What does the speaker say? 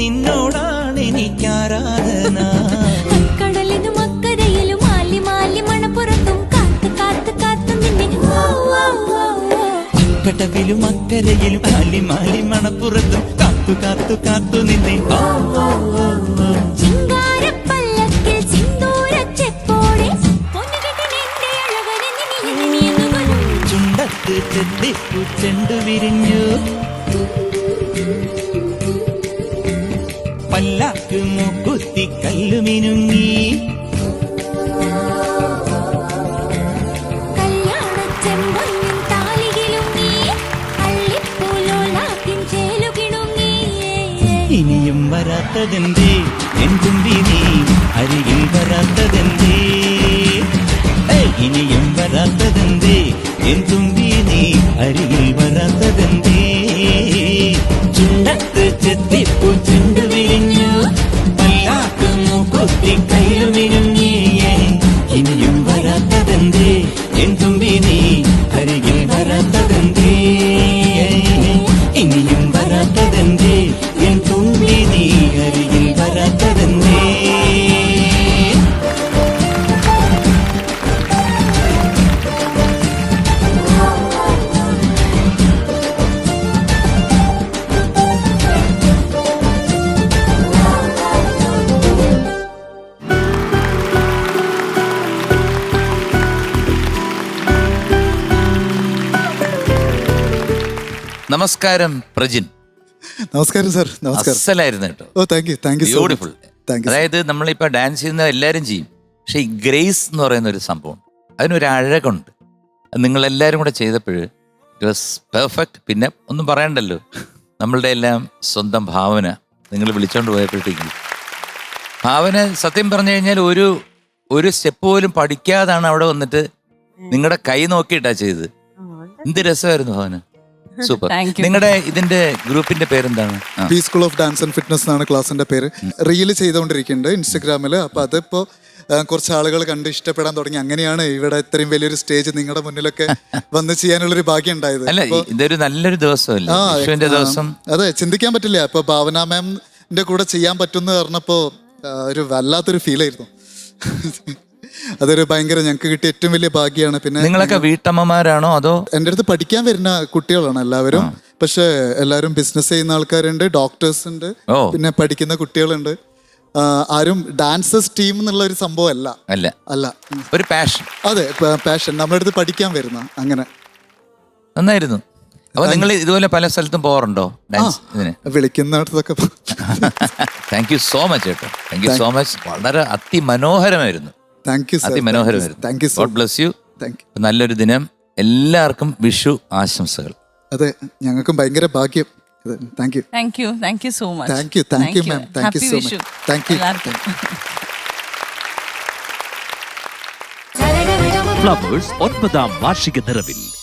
നിന്നോടാണ് എനിക്കാരാധന. കടലിനും അക്കരയിലും മാലി മാലി മണപ്പുറത്തും കാത്തു കാത്തു കാത്തു നിന്നെ. കടവിലും അക്കരയിലും മാലി മാലി മണപ്പുറത്തും കാത്തു കാത്തു കാത്തു നിന്നെ. ചിങ്കാരപ്പല്ലക്കിൽ സിന്ദൂരച്ചെപ്പോടെ പൊന്നുകെട്ടിനെന്റെ അഴകനെ നിന്നിയെന്നു വരും. ചുണ്ടത്ത് ചെത്തിപ്പൂ ചെണ്ടു വിരിഞ്ഞു, പല്ലാക്ക് മൂക്കുത്തി കല്ലുമിനുങ്ങി. കല്യാണച്ചെമ്പൊന്നും താലികിലുങ്ങി, അള്ളിപ്പൂലോലാക്കിൻ ചേലുകിണുങ്ങി. ഇനിയും വരാത്തതെന്തേ എൻ തുമ്പി നീ അരികിൽ വരാത്തതെന്തേ? ഇനിയും വരാത്തതെന്തേ എൻ തുമ്പി നീ അരികിൽ വരാത്തതെന്തേ? ചുണ്ടത്ത് ചെത്തിപ്പൂ ചെണ്ടു വിരിഞ്ഞു, പല്ലാക്ക് മൂക്കുത്തി കയ്യിലുമിരുങ്ങിയേ. ഇനിയും വരാത്തതെന്തേ എൻ തുമ്പി നീ അരികിൽ വരാത്തതെന്തേ? ഇനിയും വരാത്തതെന്തേ എൻ തുമ്പി നീ അരികിൽ വരാത്തതെന്തേ? നമസ്കാരം പ്രജിൻ. നമസ്കാരം സാർ. നമസ്കാരം. അസലായിരുന്നു കേട്ടോ. Oh thank you beautiful. Thank you. അതായത് നമ്മളിപ്പോൾ ഡാൻസ് ചെയ്യുന്ന എല്ലാവരും ചെയ്യും, പക്ഷെ ഈ ഗ്രേസ് എന്ന് പറയുന്ന ഒരു സംഭവം, അതിനൊരു അഴകുണ്ട്. അത് നിങ്ങളെല്ലാവരും കൂടെ ചെയ്തപ്പോൾ ഇറ്റ് വാസ് പെർഫെക്റ്റ്. പിന്നെ ഒന്നും പറയണ്ടല്ലോ, നമ്മളുടെ എല്ലാം സ്വന്തം ഭാവന നിങ്ങൾ വിളിച്ചോണ്ട് പോയപ്പോഴത്തേക്ക് ഭാവന സത്യം പറഞ്ഞു കഴിഞ്ഞാൽ ഒരു സ്റ്റെപ്പ് പോലും പഠിക്കാതാണ് അവിടെ വന്നിട്ട് നിങ്ങളുടെ കൈ നോക്കിയിട്ടാ ചെയ്തത്. എന്ത് രസമായിരുന്നു ഭാവന. സൂപ്പർ. നിങ്ങളുടെ ഇതിന്റെ ഗ്രൂപ്പിന്റെ പേരെന്താണ്? P school of dance and fitness എന്നാണ് ക്ലാസിന്റെ പേര്. റീല് ചെയ്തുകൊണ്ടിരിക്കുന്നുണ്ട് ഇൻസ്റ്റഗ്രാമിൽ. അപ്പൊ അതിപ്പോ കുറച്ച് ആളുകൾ കണ്ട് ഇഷ്ടപ്പെടാൻ തുടങ്ങി. അങ്ങനെയാണ് ഇവിടെ ഇത്രയും വലിയൊരു സ്റ്റേജ് നിങ്ങളുടെ മുന്നിലൊക്കെ വന്ന് ചെയ്യാനുള്ളൊരു ഭാഗ്യം ഉണ്ടായത്. അല്ല, ഇതൊരു നല്ലൊരു ദിവസമല്ലേ, വിഷുവിന്റെ ദിവസം. അതെ, ചിന്തിക്കാൻ പറ്റില്ല. ഇപ്പൊ ഭാവന മാമിന്റെ കൂടെ ചെയ്യാൻ പറ്റുമെന്ന് പറഞ്ഞപ്പോ ഒരു വല്ലാത്തൊരു ഫീലായിരുന്നു. അതൊരു ഭയങ്കര ഞങ്ങൾക്ക് കിട്ടിയ ഏറ്റവും വലിയ ഭാഗ്യമാണ്. പിന്നെ നിങ്ങളൊക്കെ വീട്ടമ്മമാരാണോ അതോ? എൻ്റെ അടുത്ത് പഠിക്കാൻ വരുന്ന കുട്ടികളാണ് എല്ലാവരും. പക്ഷെ എല്ലാവരും ബിസിനസ് ചെയ്യുന്ന ആൾക്കാരുണ്ട്, ഡോക്ടേഴ്സ് ഉണ്ട്, പിന്നെ പഠിക്കുന്ന കുട്ടികളുണ്ട്. ആരും ഡാൻസേഴ്സ് ടീം എന്നുള്ള ഒരു സംഭവം അല്ല. ഒരു പാഷൻ. അതെ, പാഷൻ. നമ്മുടെ അടുത്ത് പഠിക്കാൻ വരുന്ന. അങ്ങനെ നന്നായിരുന്നു. അപ്പൊ നിങ്ങൾ ഇതുപോലെ പല സ്ഥലത്തും പോകാറുണ്ടോ ഡാൻസ് ഇതിന്? വിളിക്കുന്നിടത്തൊക്കെ. താങ്ക് യു സോ മച്ച് കേട്ടോ. Thank you so much. വളരെ അതിമനോഹരമായിരുന്നു. അതിമനോഹരമായിരുന്നു. God bless you. നല്ലൊരു ദിനം. എല്ലാവർക്കും വിഷു ആശംസകൾ. അതെ, ഞങ്ങൾക്കും ഭയങ്കര ഭാഗ്യം. Thank you so much. Thank you ma'am. Thank you so much. Thank you. Flowers 9ാം വാർഷിക നിറവിൽ